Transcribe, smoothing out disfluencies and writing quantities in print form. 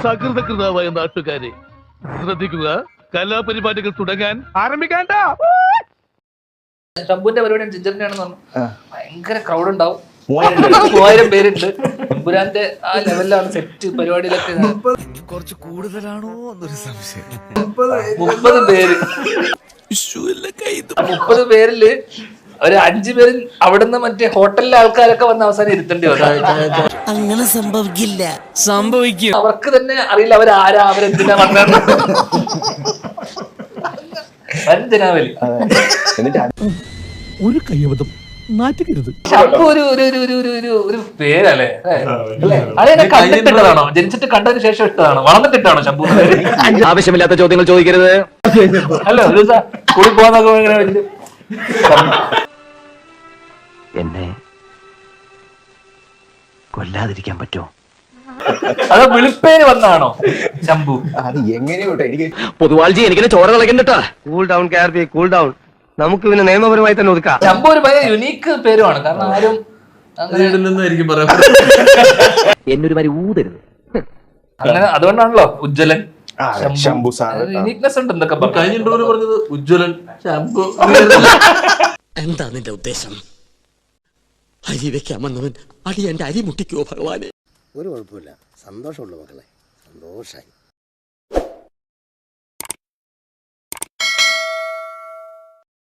സകൃതകൃതാവായ നാട്ടുകാരെ ശ്രദ്ധിക്കുക, കലാപരിപാടികൾ തുടങ്ങാൻ ആരംഭിക്കാണ്ട. ശംഭുവിന്റെ പരിപാടി ജിഞ്ചറിന്റെ ആണെന്ന് പറഞ്ഞു. ഭയങ്കര ക്രൗഡ് ഉണ്ടാവും, 3000 പേരുണ്ട്. എമ്പുരാന്റെ ആ ലെവലിലാണ് സെറ്റ് പരിപാടിയിലൊക്കെ. കുറച്ച് കൂടുതലാണോ എന്നൊരു സംശയം. 30 പേര്, 30 പേരില് ഒരു 5 പേരിൽ അവിടുന്ന് മറ്റേ ഹോട്ടലിലെ ആൾക്കാരൊക്കെ വന്ന് അവസാനം ഇരുത്തേണ്ടി വരും. അങ്ങനെ സംഭവിക്കില്ല, സംഭവിക്കും. അവർക്ക് തന്നെ അറിയില്ല അവരാരാ, അവരെന്തിനാ വന്നത്. വഞ്ചനാവലി. ഒരു കയ്യബദ്ധം നാറ്റുകരുത്. ശംഭു ഒരു പേരല്ലേ? അതെന്നെ കണ്ടിട്ടിട്ടതാണോ? ജനിച്ചിട്ട് കണ്ടതിന് ശേഷം ഇട്ടതാണോ? വളർന്നിട്ടിട്ടാണോ ശംഭു? ആവശ്യമില്ലാത്ത ചോദ്യങ്ങൾ ചോദിക്കരുത്. അല്ല, ഒരു ദിവസം കൂടി പോകാന്നൊക്കെ എന്നെ കൊല്ലാതിരിക്കാൻ പറ്റുമോ? അത് വിളിപ്പേര് വന്നാണോ ശംഭു? അത് എങ്ങനെയോട്ടെ എനിക്ക് പൊതുവാൾജി എനിക്കിനെ ചോര കളക്കണ്ടട്ടാ. കൂൾ ഡൗൺ കാർബി, കൂൾ ഡൗൺ. നമുക്ക് പിന്നെ നിയമപരമായി തന്നെ ഒതുക്കാം. ശംഭു ഒരു ഭയങ്കര യുണീക്ക് പേരുമാണ്. കാരണം ആരും എന്നൊരു മാതിരി ഊതരുത്. അങ്ങനെ അതുകൊണ്ടാണല്ലോ ഉജ്ജ്വലൻ, ശംഭു സാർ. യുണീക്നെസ് ഉണ്ട് എന്തൊക്കെ പറഞ്ഞത്. ഉജ്ജ്വലൻ, ശംഭു. എന്താ നിന്റെ ഉദ്ദേശം? അരി വെക്കാമെന്നവൻ അടി എന്റെ അരി മുട്ടിക്കോ ഭഗവാനെ. ഒരു കുഴപ്പമില്ല, സന്തോഷമുള്ളൂ മക്കളെ, സന്തോഷായി.